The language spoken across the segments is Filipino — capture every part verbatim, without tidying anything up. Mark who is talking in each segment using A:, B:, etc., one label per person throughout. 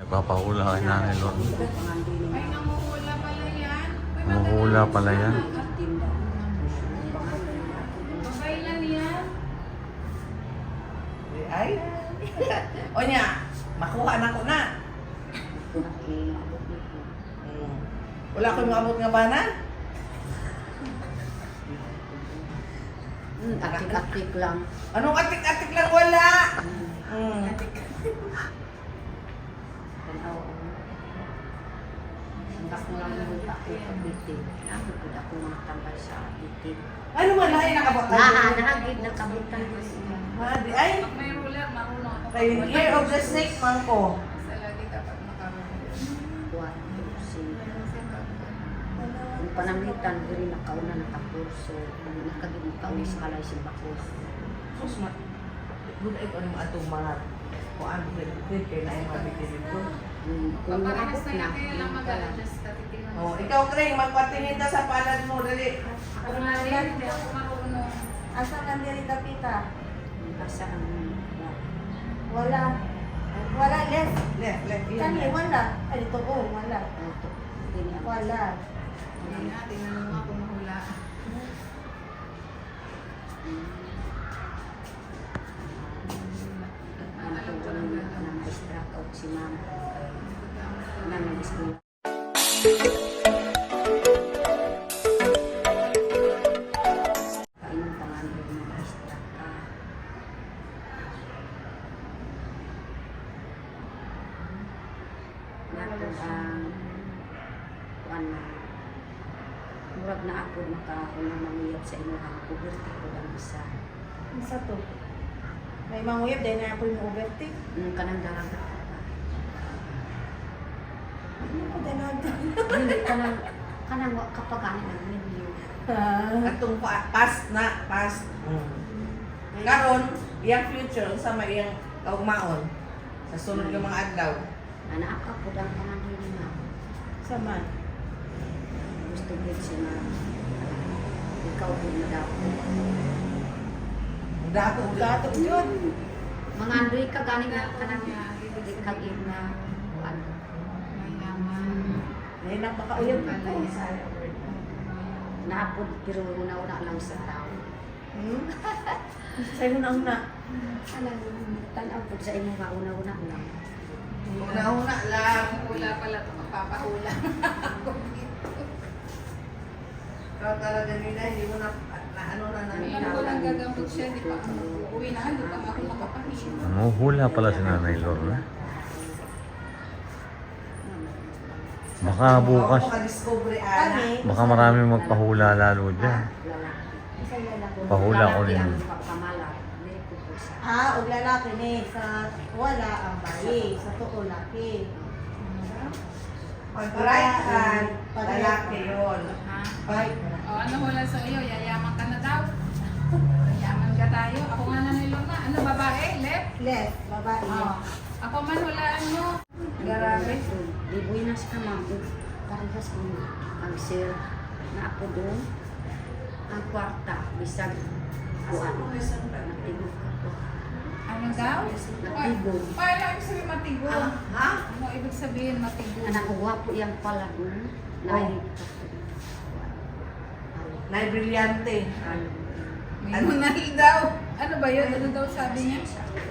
A: Papahula kay Nanay Lorna.
B: Ay, nanguhula pala yan.
A: Nanguhula pala yan.
B: Babailan yan.
C: Ay. O niya, makuha na ko na. Hmm. Wala ko yung abot nga bana?
D: Hmm, atik-atik lang.
C: Anong atik-atik lang wala? Hmm.
D: Hanggang mo lang yung ako kabitin. Ako po ako mga tambal sa bitin.
C: Ano man ay nakabot tayo?
D: Naa, nahagid na kabutan ko siya.
C: Madi ay.
B: Pag may ruler, marunong ako.
C: Kay Year of the Snake man ko.
B: Sa lagi dapat makaroon.
D: Buwan ko siya. Yung panamitan, diri nakauna nakapurso. Kung nakagid mo ka, may salay siya bakos.
C: Sus ma. Good ay ko ano atong mga kuan pwede kay na yung mabitin dito.
D: Hmm, Kung
B: Paparehas
D: naabot
B: na
D: na,
B: yan, kaya lang
D: hindi ka lang.
B: mag-adjust ka. Titingnan mo.
C: Oh, ikaw Craig, magpatingin ta sa palad mo dali.
B: Ako nga rin, hindi ako marunong.
E: Asa ka diri kapita?
D: Basta ang
E: Wala. Wala, left.
C: Left, left. yun.
E: Kani, wala. Ay, dito ko, wala.
D: auto. Hindi ako.
E: Wala.
B: Hindi nga, tingnan mo ako mahula.
D: Ano ko lang nang distract out si mama. Nang nag-school. Kainom pa nga nila ng distract ka. Nato ang kuan na murag na ako makaunang mamiyap sa inyong puberty ko ang isa.
E: Isa to. May manguyab, dahil na ako yung overtake.
D: Nung kanang daragat ka.
E: Ano ko dahil na
D: Hindi kanang kanang wa kapag ani ng menu.
C: Atong pa- past na, past. Mm. Karon, iyang future sa may iyang kaugmaon sa sunod ng mga adlaw.
D: Anak ka po dang pangalan na.
E: Saman.
D: Gusto ko siya na ikaw po na daw.
C: Dato
E: Gato yun.
D: Mga andoy ka ganing na kanang kagin na ano.
B: Mayaman.
E: Ay, napakauyab ko.
D: Naapod pero una-una lang sa tao.
E: Hmm? Sa'yo na una.
D: Alam, tanaw po sa inyo nga una-una lang.
C: Una-una lang.
B: Hula pala ito, magpapahula.
C: Ikaw talaga nila, hindi mo na, na ano na namin.
B: Alam ko lang gagamot siya, di pa ako uwi na, di pa ako makapahinga.
A: Nanguhula pala si Nanay Lorna. Baka bukas,
C: Maka-discovery, Ana.
E: Kami.
A: baka marami magpahula lalo dyan.
E: Isa lalaki.
A: Pahula ko rin.
D: Ang pagkamala, dili ko po sa
E: Ah, og lalaki ni. Sa wala ang bayi. Sa tuo laki.
C: Pag right hand, lalaki yun.
B: Ha?
C: Right.
B: O, ano wala sa iyo? Yayaman ka na daw. Yayaman ka tayo. Ako nga na nilong na. Ano, babae? Left?
E: Left, babae.
B: Oo. Ako man, hulaan mo. Grabe.
D: Di buinas ka ma'am. Parehas ko ang sir na ako doon. Ang kwarta, bisag kuan. Natigog ka po.
B: Ano daw?
D: Natigog.
B: Ay, ano ibig sabihin matigo?
C: Ah, ha?
B: Ano ibig sabihin matigo?
D: Anak ko gwapo yang pala doon. Nai.
C: Nay brilyante.
B: May munal daw. Ano ba yun? Ano daw sabi niya?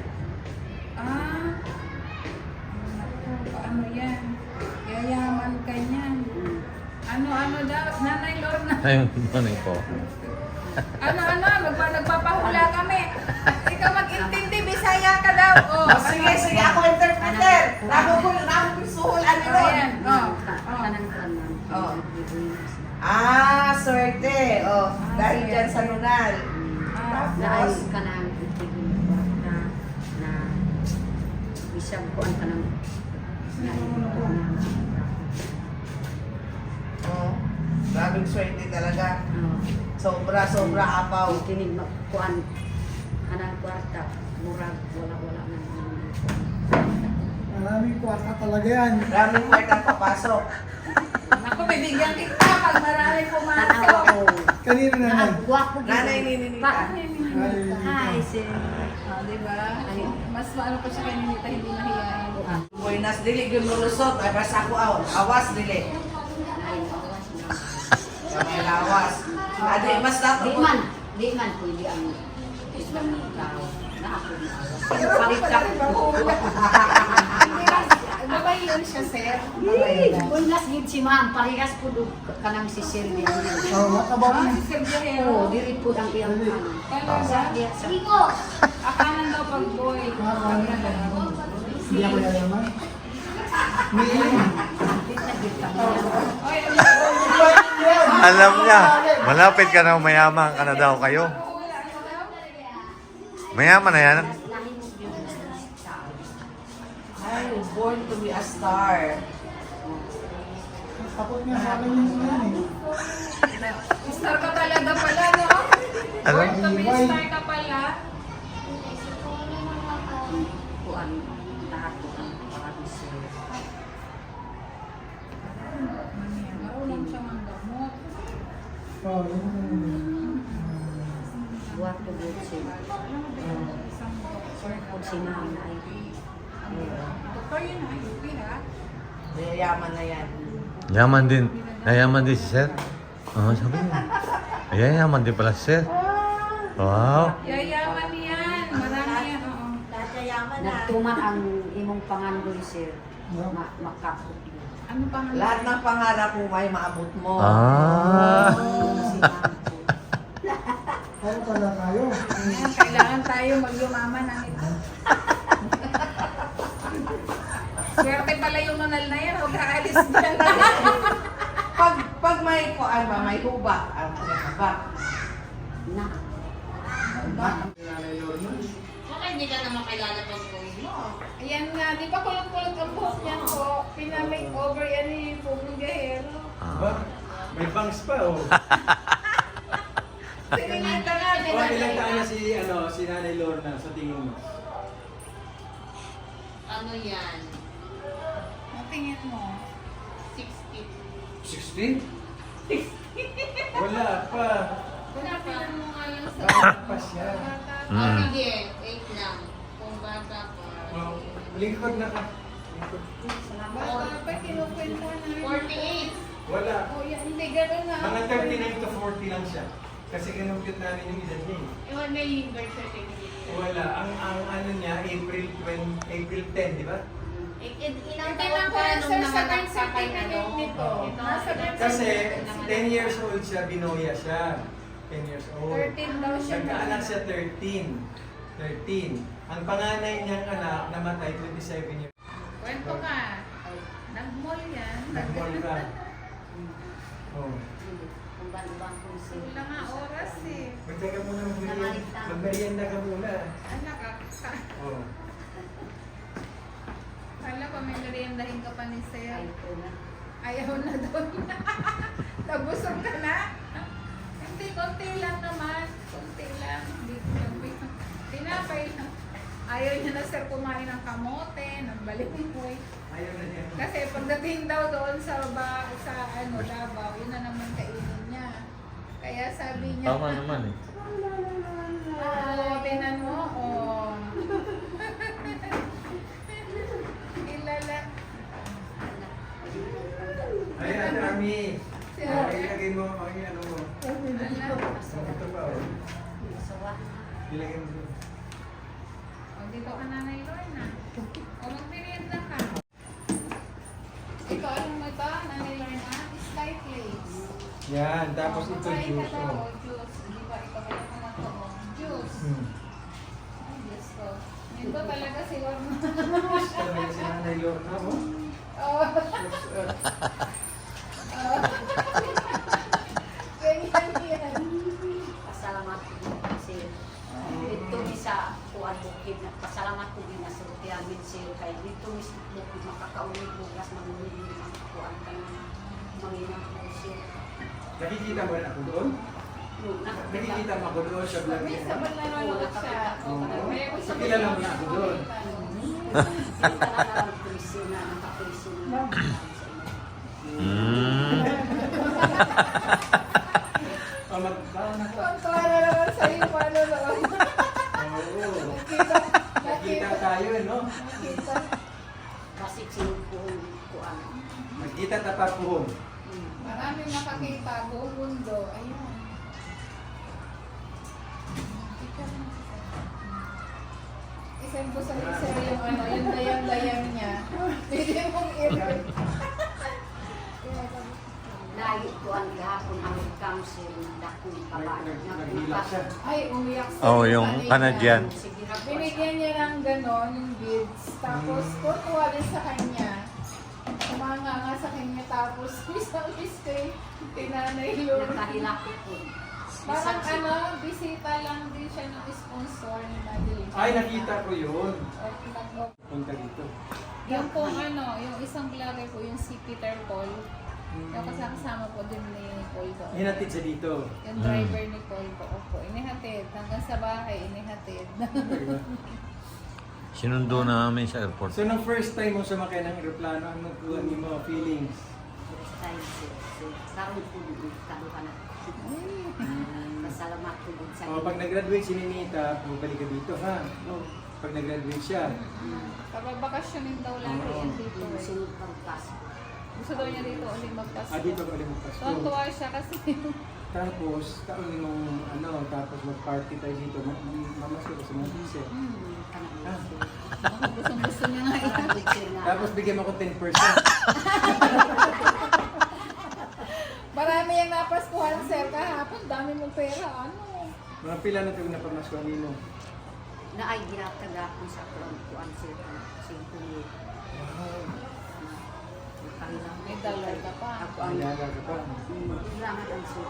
B: Ah. Naku, paano yan? Yayaman ka niyan. Ano-ano daw? Nanay Lorna.
A: Ayun, ano po.
B: Ano-ano? Magpa nagpapahula kami. Ikaw mag-intindi, Bisaya ka daw. Oh,
C: Oh, sige, sige, ako interpreter. Nako ko, nako ko suhol, ano
B: Oh,
C: yun?
B: yan. Oh.
D: Kanang kuan ma'am.
C: Oh.
D: Di buinas.
C: Ah, swerte. Oh, dahil dyan sa nunal.
B: Ah,
D: Naay
C: Tapos,
D: ka nang itigil kwarta na bisag kuan ka nang naay ko na.
C: oh, grabing swerte talaga.
D: Oh.
C: Sobra, sobra apaw.
D: Kinig magkuan kanang kwarta murag wala-wala na naman.
F: Maraming kwarta talaga yan.
C: Maraming part ang papasok.
B: Naku, bibigyan kita pag marami
D: Tanaw
B: pumasok.
D: ako.
F: Kanino naman?
D: Gwapo
C: Nanay ni Ninita.
D: Hi, sir.
B: Ah, di ba? Mas maano ko siya kay Ninita, hindi mahihayin.
C: Buenas dili gyud mulusot ay basta ako aw. Awas dili.
D: Ay, awas na.
C: Kamay lawas. Adi mas
D: Di
C: dato
D: man, di man pwede ang isang tao na ako na awas. Palit ka.
B: Ano ba yun siya, sir?
D: Unas gid si ma'am, parehas po do kanang si Sir din.
F: Oh, what about
B: Ah,
F: me?
B: si Sir Guerrero.
D: Oo, dili po ang iyang ano.
B: Talaga?
D: Sige ko.
B: Akalan daw pag boy.
F: Hindi ako yayaman. May
B: Oy,
A: Alam niya, malapit ka na mayaman ka na daw kayo. Mayaman na yan.
C: ay born to be a star.
F: takot nga sa akin yung yan eh.
B: star ka talaga pala, no?
A: Ano?
B: Born to be star ka pala.
D: Kuan lahat po ang parang Sir.
B: Marunong siya manggamot.
F: Oh, yun yung-
D: Buat to good Sir.
B: Isang doktor.
D: Kung si ma'am ay
B: Doktor yun, ha? U P, ha?
C: Yayaman na yan.
A: Yaman din. Nayaman din si Sir. Oo, sabi niya. Ayan, yaman din pala si Sir. Wow.
B: Yayaman yan. Marami yan, oo.
E: Lahat yayaman na.
D: nagtuman ang imong pangandoy Sir. Ma makapot.
B: Ano pa nga?
C: Lahat ng pangarap mo may maabot mo.
A: Ah.
D: Si ma'am po.
F: Ano pala tayo?
B: Ayan, kailangan tayo magyumaman ng ito. Swerte pala yung nunal na yan. Huwag kaalis dyan.
C: Pag pag may kuan ba may hubak, ang hubak.
D: Na.
E: Baka hindi ka naman kilala pag boy mo.
B: Ayan nga, di ba kulot-kulot ang buhok niyan po? Pinamake over yan ni Pugong Guerrero.
A: Ah.
G: May bangs pa, oh.
B: Sinilita nga, di
G: Oh,
B: ba?
G: ilang taon na si, ano, si Nanay Lorna sa tingin mo?
E: Ano yan?
B: Ang tingin mo?
E: sixty.
G: sixty? Wala pa.
B: Pinapilan mo nga yung sa...
G: Bata pa siya.
E: O
A: Mm.
E: sige, wait lang. Kung bata pa.
G: Oh, lingkod na ka. Lingkod.
B: Bata pa, kinukwenta na.
E: forty-eight.
G: Wala.
B: Oh, yan, hindi ganun na.
G: Mga thirty-nine to forty lang siya. Kasi kinumpute namin yung edad niya eh.
E: Iwan na yung birth certificate.
G: Wala. Ang ang ano niya, April twenty, April ten, di ba?
E: I- i- Ilang
B: Hindi
E: taon
B: lang
E: pa
B: po
E: nung
B: sir sa
E: nanganak
B: birth
E: ka kay
B: certificate
E: ano?
B: nito.
E: Ito,
B: Nasa birth
G: Kasi
B: certificate.
G: ten years old siya, binoya siya. ten years old.
B: thirteen daw siya.
G: Nagkaanak siya thirteen. thirteen. Ang panganay niyang anak namatay twenty-seven years.
B: Kwento ka. Nag-mall yan.
G: Nag-mall ka. Oh.
D: Kung ba-ibang po Sir.
B: Wala nga oras eh.
G: Magtaka muna mag-merienda. Mag-merienda ka muna.
B: Anak, ah,
G: Oh.
B: kala ko may meriendahin ka pa ni Sir.
D: Ay po na.
B: Ayaw na daw niya. Nabusog ka na? Hindi, konti lang naman. Konti lang. Hindi, nagbi- tinapay lang. Ayaw niya na sir kumain ng kamote, ng balinghoy.
G: Ayaw na niya.
B: Kasi pagdating daw doon sa ba, sa ano, Davao, yun na naman kainin niya. Kaya sabi niya,
A: Tama naman eh.
B: oo, tinan mo, oh. Ilala.
G: Ay, Ate Ami.
B: Si
G: Ay,
B: Ate.
G: ilagay mo. Ay, ano mo.
B: Ala.
G: Oh, ito pa, oh.
D: Masawa.
G: Ilagay mo doon.
B: O, dito ka nanay Lorna. O, magmerienda ka. Ito, anong mo ito, nanay Lorna? Sky Flakes.
G: Yan, tapos
B: O,
G: ito
B: kumain ka
G: juice.
B: daw,
G: Oh.
B: o, juice. Di ba, ikaw ba yung mga to, o, juice.
G: Hmm.
B: Ay, Diyos ko. Ito talaga si Lorna.
G: Sabi si Nanay Lorna, oh.
B: Oo. Oo. Ganyan yan.
D: Pasalamat po din Sir. Dito mi sa kuan bukid na pasalamat po din na sa Tiamin Sir kay dito mi sa bukid makakaulit bukas manunod ang kuan kan manginang po Sir.
G: Nakikita mo rin ako doon? Nakikita mo ako doon sa vlog
B: May
G: niya.
B: sabon na nanonood siya.
G: Oo.
B: May ako sa
G: Kilala mo na ako doon.
D: Kita na lang pulisyo na nakapulisyo na.
A: Mm.
G: Oh, mag... Ah, naka...
B: Kontuwa na naman sa iyo, paano noon?
G: Oo.
B: Nakita,
G: Nakita tayo, eh, no?
B: nakita.
G: Kita tapapuhon.
B: Maraming nakakita, buong mundo. Ayun. Isang po sa isa yung ano, yung layang-layang niya. Pwede mong i-read.
D: Lagi ko ang gahapon ang council dakong babae.
G: Naghila siya.
B: Ay, umiyak siya.
A: Oh, yung Canadian.
D: Sige ra po.
B: Binigyan niya ng gano'n, yung beads. Tapos, tutuwa din sa kanya. Kumanga nga sa kanya. Tapos, isang mistake, tinanay yun.
D: Nakahilako po.
B: Parang ano, bisita lang din siya ng sponsor ni Madeline.
G: Ay, nakita ko yun.
B: At nag-
G: Punta dito.
B: Yung po ano, yung isang vlogger po, yung si Peter Paul.
G: Hmm.
B: Yung kasama po din ni Paul doon.
G: Hinatid siya dito.
B: Yung driver ni Paul po, opo, inihatid. Hanggang sa bahay, inihatid.
A: Sinundo namin sa airport.
G: So, nung first time mo sumakay ng aeroplano, ano po ang iyong mga feelings?
D: Style sir. So, karon po dito kaduha na. Pasalamat po din sa
G: O, pag nag-graduate si Ninita, bumalik ka dito, ha?
D: Oh,
G: Pag nag-graduate siya.
B: Kapag bakasyonin daw lagi
G: Oo.
B: yan dito.
D: yung
B: eh.
D: sunod pang paso.
B: Gusto daw niya dito ulit magpasko.
G: Ah, dito ka ulit magpasko.
B: Tuwa siya kasi
G: Tapos, kaon mong ano, tapos mag-party tayo dito. Ma- ma- Mamasko ko sa mga pise.
D: Hmm, kanang
G: Ah.
D: sir.
B: gustong gusto niya nga yan.
D: Grabe, sir, nga.
G: Tapos bigyan mo ko ten percent.
B: Marami yung napaskuhan sir kahapon. Dami mong pera. Ano?
G: Mga pila na tayo na pamasko nino.
D: Na ay ginataga ko sa kuan kuan sir. Singko ni.
B: May dollar ka pa.
D: Ako ang
G: Alaga ka pa.
D: Salamat ang sir.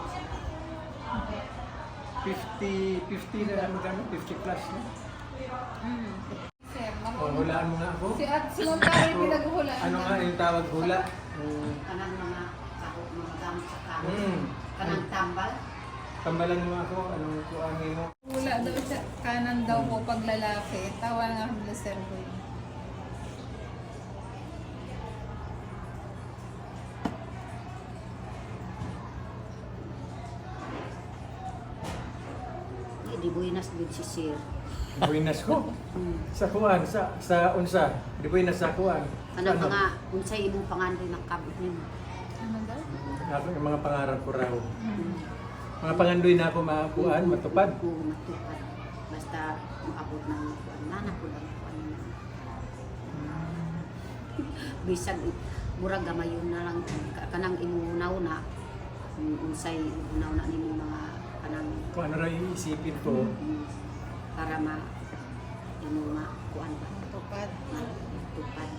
G: fifty, fifty na magkano? fifty plus, no?
B: Hmm. Sir,
G: O,
B: makuha.
G: hulaan mo nga ako.
B: Si at si Ma'am Karen pinaghulaan.
G: Ano nga yung tawag hula? Mm.
D: Kanang mga kaho mga gamit sa kaho.
G: Mm.
D: Kanang tambal.
G: Tambalan mo ako, anong kuangin mo?
B: Wala daw siya. Kanan daw po pag lalaki. Tawa nga nila sir ko yun.
D: Di di buinas gid si sir.
G: Buinas ko.
D: Hmm.
G: Sa kuan, sa sa unsa. Di buinas sa kuan.
D: Kanang mga unsay imong pangandoy ng kabot nimo.
B: Ano daw?
G: Ako yung mga pangarap ko raw. Mga pangandoy na ako makuan, matupad.
D: Ko matupad. Basta maabot ng kuan nana ko lang kuan. Bisag murag gamayon na lang ka- kanang imunaw na kung unsay imunaw na nimo mga kanang
G: Kung ano raw yung isipin ko,
D: mm, para ma imo ma kuan ba
B: Tupad.
D: tupad.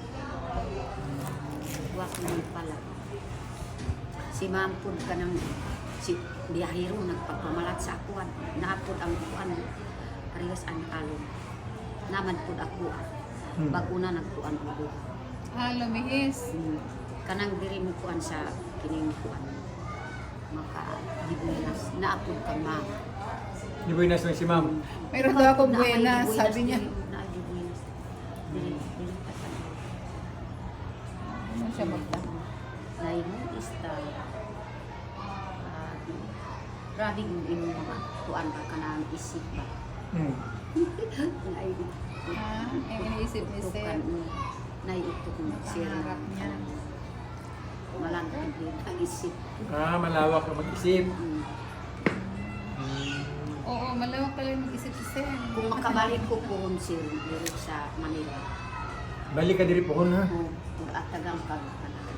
D: Wa ko ni pala. Si Ma'am pud kanang si biyahero nagpapamalat sa akuan. Naapod ang kuan parehas ang alon. Naman pud ako.
G: Hmm.
D: Bag-una nagkuan ubo.
B: Ah, lumihis.
D: Hmm. Kanang diri mo kuan sa kining kuan. Maka dibulas naapod kang ma.
G: di buinas na si ma'am.
B: Meron daw ako buena, sabi niya.
D: Na dibulas. Dili dili ta kan.
B: Ano siya magda?
D: Lain mo ista. Ah, grabe yung imong mga kuan ba kanang isip ba.
G: Hmm.
D: Nai
B: Ah, yung iniisip ni sir.
D: Naiutok mo sir
B: Pangarap niya.
D: malangkot din ang isip.
G: Ah, malawak na mag-isip.
D: Mm.
B: Oo, malawak pala yung mag-isip si sir.
D: Kung makabalik ko po sir dito sa Manila.
G: Balik ka diri po ha.
D: Kung atagang ka kanang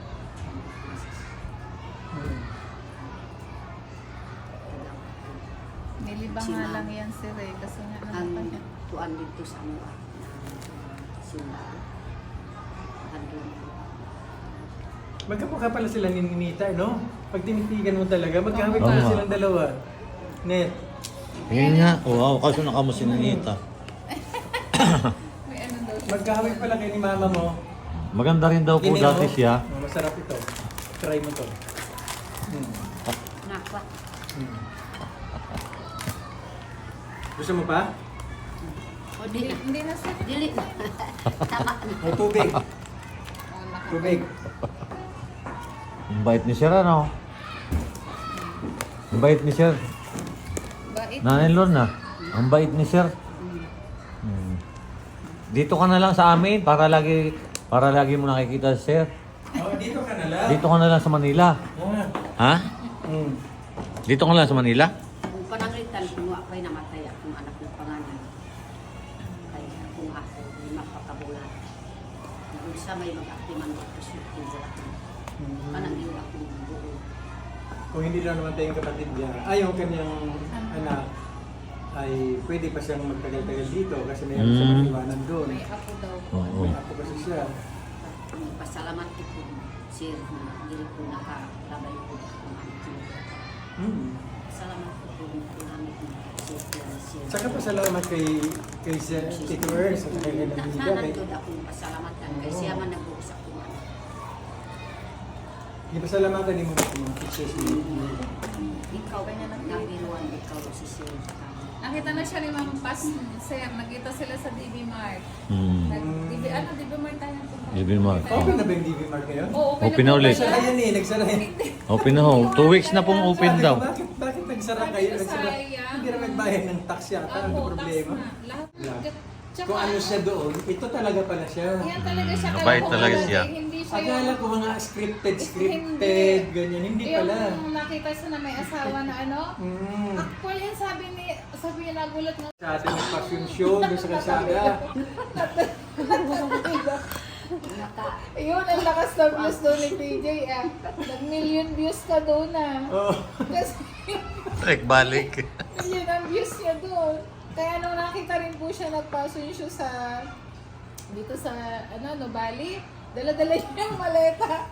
G: Hmm.
B: Nilibang nga lang yan sir eh. Kasi nga ano
D: ang
B: pa niya.
D: tuan dito sa mga sila. Andun.
G: Magkamukha pala sila ni Ninita, no? Pag tinitigan mo talaga, magkahawig
A: Oo
G: pala
A: nga.
G: silang dalawa. Net.
A: Yun nga. Wow, kaso nakamo si Ninita.
B: May ano daw siya.
G: Magkahawig pala kayo ni mama mo.
A: Maganda rin daw po
G: Gini,
A: dati
G: oh.
A: siya.
G: Oh, masarap ito. Try mo to. Hmm.
D: Nakwa.
G: Hmm. Gusto mo pa?
D: O
B: Hindi,
D: di na.
B: hindi na sir.
D: Dili na. Tama na.
G: O tubig.
B: Oh, naka-
G: Tubig.
A: Ang bait ni Sir, ano? Ang bait ni Sir.
B: Bait.
A: Nanay Lorna, ang bait ni Sir.
D: Mm.
A: Hmm. Dito ka na lang sa amin para lagi para lagi mo nakikita si Sir.
G: Oo, Oh, dito ka na lang.
A: Dito ka na lang sa Manila.
G: Ah.
A: Ha?
G: Mm.
A: Dito ka na lang sa Manila?
D: Kung pananglitan, kung ako'y namatay akong anak ng pangalan. Kay akong ako, lima pagkabulan. Kung sa may mag-actiman ko, kusipin sa lahat.
G: Mm.
D: Kanang yung akong buo.
G: Kung hindi na naman tayong kapatid niya, ay yung kanyang anak, ay pwede pa siyang magtagal-tagal dito kasi mayroon
A: Mm.
G: siyang iwanan doon.
B: May ako daw.
A: Oo.
G: May apo kasi siya.
D: Pasalamat ko po, sir, na hindi ko nakalabay ko kung ano ko.
G: Mm.
D: Salamat ko po ng pinamit mo, sir, sir.
G: Saka pasalamat kay kay Sir Tito Ers at kay Nina Vida.
D: Sana
G: Kay,
D: doon akong pasalamatan kay siya man nagbuo sa kuwan.
G: di pasalamatan ni mo mga pictures ni
D: Ikaw, nabiruan, ikaw si sir.
B: Nakita na siya ni Ma'am Pas, sir. Nagkita sila sa D B Mart.
A: Hmm.
B: Nag, D B, ano, D B Mart tayo punta.
A: D B Mart.
G: Open na ba yung D V Mart ngayon?
B: Oo, open,
A: Open na ulit.
B: pala.
G: Nagsara yan eh, nagsara yan.
A: Open na ho. Two weeks na pong open
G: Sabi ko,
A: daw.
G: Bakit, bakit nagsara
B: Sabi
G: kayo?
B: ko,
G: Nagsara.
B: sayang.
G: Hindi na nagbayad ng tax yata. Ano
B: Ako,
G: problema?
B: tax na. Lahat.
G: Lahat.
B: Tsaka,
G: Kung ano siya doon, ito talaga pala siya.
B: Yan talaga siya.
A: Mm,
B: Kaya
A: mabait
B: kung
A: talaga
B: wala,
A: siya.
B: eh, Hindi siya
G: Akala
B: yung...
G: ko mga scripted,
B: Hindi.
G: scripted, ganyan. Hindi pala.
B: Yung nakita siya na may asawa na ano.
G: Mm.
B: Actually, yan sabi ni, sabi niya nagulat nga.
G: Sa ating fashion show, doon sa kalsada.
B: Yun, ang lakas ng views doon ni P J ah. Nag-million views ka doon ah.
G: Oh.
B: Kasi
A: Nagbalik.
B: million ang views niya doon. Kaya nung nakita rin po siya nag-fashion show sa dito sa ano, no, Bali, dala-dala niya yung maleta.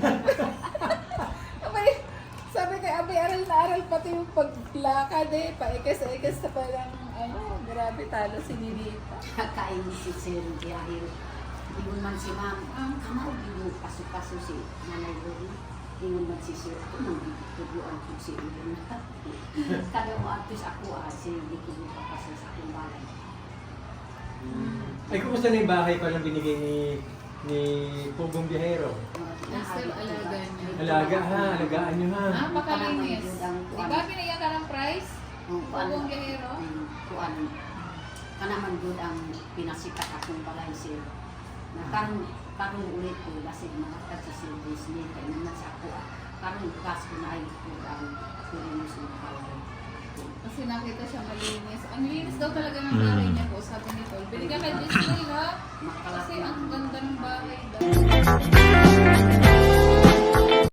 B: Abay, sabi kay Abay, aral na aral pati yung paglakad eh, paikas-ikas na parang ano, grabe talo si Ninita.
D: Kain si sir, dahil ingon man si ma'am, ang kamaw yung paso-paso si nanay Lorna. Ingon man si sir, ako nang bibitubuan ko si Lorna. Kada mo atos ako ah, si hindi ko papasa sa akong balay.
G: Ay, kumusta na yung bahay palang binigay ni ni Pugong Biyahero?
B: Still alaga niya.
G: Alaga ha, alagaan nyo ha.
B: Ah, makalinis. Di ba binigyan ka ng price?
D: Kung
B: Pugong Biyahero?
D: kuan kanaman gud ang pinasikat akong balay sir. Na karon karon ulit ko kasi mga sa sir Disney kay naman sa ako. ah. Karon gas ko na ay ko ang kulinis ng balay.
B: Kasi nakita siya malinis. Ang linis daw talaga ng bahay niya po, sabi ni Paul. Binigyan kay Disney, no? Kasi ang ganda ng bahay daw.